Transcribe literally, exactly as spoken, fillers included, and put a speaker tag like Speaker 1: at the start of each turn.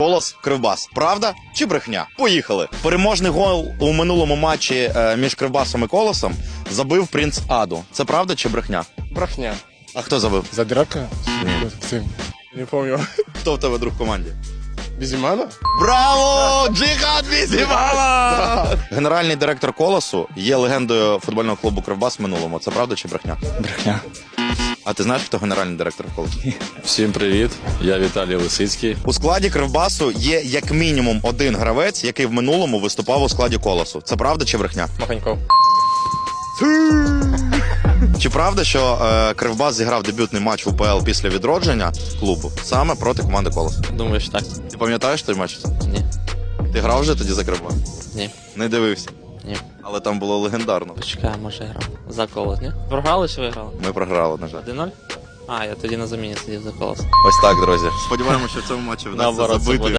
Speaker 1: Колос, Кривбас. Правда чи брехня? Поїхали. Переможний гол у минулому матчі е, між Кривбасом і Колосом забив принц Аду. Це правда чи брехня?
Speaker 2: Брахня.
Speaker 1: А хто забив?
Speaker 2: Задрака? Sim. Не помню.
Speaker 1: Хто в тебе друг в команді?
Speaker 2: Бізімана?
Speaker 1: Браво! Джихад Бізімана! Генеральний директор Колосу є легендою футбольного клубу Кривбас в минулому. Це правда чи брехня?
Speaker 3: Брехня.
Speaker 1: А ти знаєш, хто генеральний директор Колосу?
Speaker 4: Всім привіт, я Віталій Лисицький.
Speaker 1: У складі Кривбасу є як мінімум один гравець, який в минулому виступав у складі Колосу. Це правда чи брехня?
Speaker 2: Маханьков.
Speaker 1: Чи правда, що е, Кривбас зіграв дебютний матч в УПЛ після відродження клубу саме проти команди Колос?
Speaker 3: Думаю, що так.
Speaker 1: Ти пам'ятаєш той матч?
Speaker 3: Ні.
Speaker 1: Ти грав вже тоді за Кривбас?
Speaker 3: Ні.
Speaker 1: Не дивився.
Speaker 3: Ні.
Speaker 1: Але там було легендарно.
Speaker 3: Почекай, може грав. За Колос, ні? Програли чи виграли?
Speaker 1: Ми програли, на жаль.
Speaker 3: один нуль? А, я тоді на заміні сидів за Колос.
Speaker 1: Ось так, друзі. Сподіваємося, що в цьому матчі вдасться
Speaker 3: Наоборот, це
Speaker 1: забити.
Speaker 3: буде.